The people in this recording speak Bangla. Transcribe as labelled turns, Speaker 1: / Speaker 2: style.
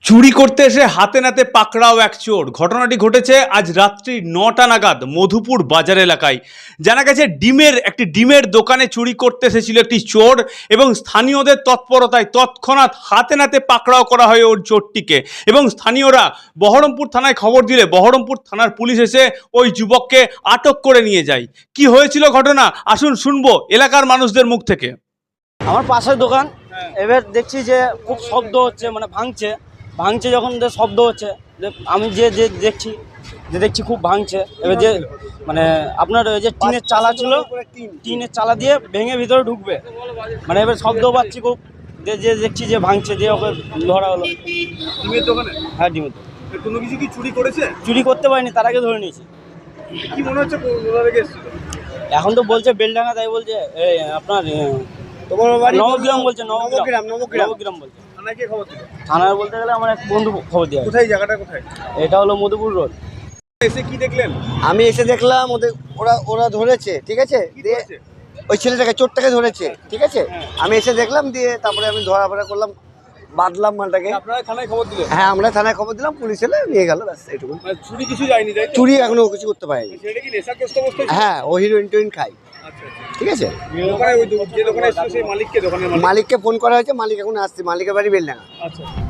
Speaker 1: চুরি করতে এসে হাতে নাতে পাকড়াও এক চোর। ঘটনাটি ঘটেছে আজ রাত্রি ৯টা নাগাদ মধুপুর বাজার এলাকায়। জানা গেছে একটি ডিমের দোকানে চুরি করতে এসেছিল একটি চোর এবং স্থানীয়দের তৎপরতায় তৎক্ষণাৎ হাতে নাতে পাকড়াও করা হয় ওর চোরটিকে। এবং স্থানীয়রা বহরমপুর থানায় খবর দিলে বহরমপুর থানার পুলিশ এসে ওই যুবককে আটক করে নিয়ে যায়। কি হয়েছিল ঘটনা আসুন শুনবো এলাকার মানুষদের মুখ থেকে।
Speaker 2: আমার পাশের দোকান, এবার দেখছি যে খুব শব্দ হচ্ছে, মানে ভাঙছে যখন শব্দ হচ্ছে, আমি যে দেখছি খুব ভাঙছে। এবার যে মানে আপনার ওই যে টিনের চালা ছিল, টিনের চালা দিয়ে ভেঙে ভিতরে ঢুকবে, মানে এবার শব্দ পাচ্ছি খুব, যে দেখছি যে ভাঙছে, দিয়ে ওকে ধরা হলো।
Speaker 1: ডিমের দোকানে?
Speaker 2: হ্যাঁ, ডিমের দোকানে।
Speaker 1: কোনো কিছু কি চুরি করেছে?
Speaker 2: চুরি করতে পারিনি, তার আগে ধরে নিয়েছি।
Speaker 1: কি মনে হচ্ছে কোথা থেকে এসেছিল?
Speaker 2: এখন তো বলছে বেলডাঙ্গা, তাই বলছে এই আপনার নবগ্রাম বলছে, নবগ্রাম বলছে।
Speaker 1: থানায় কে খবর দিল?
Speaker 2: থানায় বলতে গেলে আমার এক বন্ধু খবর দেওয়া।
Speaker 1: কোথায় জায়গাটা কোথায়?
Speaker 2: এটা হলো মধুপুর রোড।
Speaker 1: এসে কি দেখলেন?
Speaker 3: আমি এসে দেখলাম ওরা ধরেছে, ঠিক আছে, দিয়ে ওই ছেলেটাকে, চোরটাকে ধরেছে, ঠিক আছে। আমি এসে দেখলাম, দিয়ে তারপরে আমি ধরাফরা করলাম, বাঁধলাম মালটাকে।
Speaker 1: আপনারা থানায় খবর দিলেন?
Speaker 3: হ্যাঁ, আমরা থানায় খবর দিলাম, পুলিশ এলে নিয়ে গেল, ব্যাস এইটুকু।
Speaker 1: মানে চুরি কিছু যায়নি তাই তো?
Speaker 3: চুরি এখনো কিছু করতে পারেনি।
Speaker 1: সেটা কি নেশাগ্রস্ত অবস্থায় ছিল?
Speaker 3: হ্যাঁ, ও হিরোইন টোইন খাই,
Speaker 1: আচ্ছা আচ্ছা।
Speaker 3: ঠিক আছে।
Speaker 1: দোকানে ওই যে দোকানে এসেছিল সেই মালিককে, দোকানের মালিক?
Speaker 3: মালিককে ফোন করা হয়েছে, মালিক এখন আসছে, মালিকের বাড়ি বেলডাঙ্গা।
Speaker 1: আচ্ছা।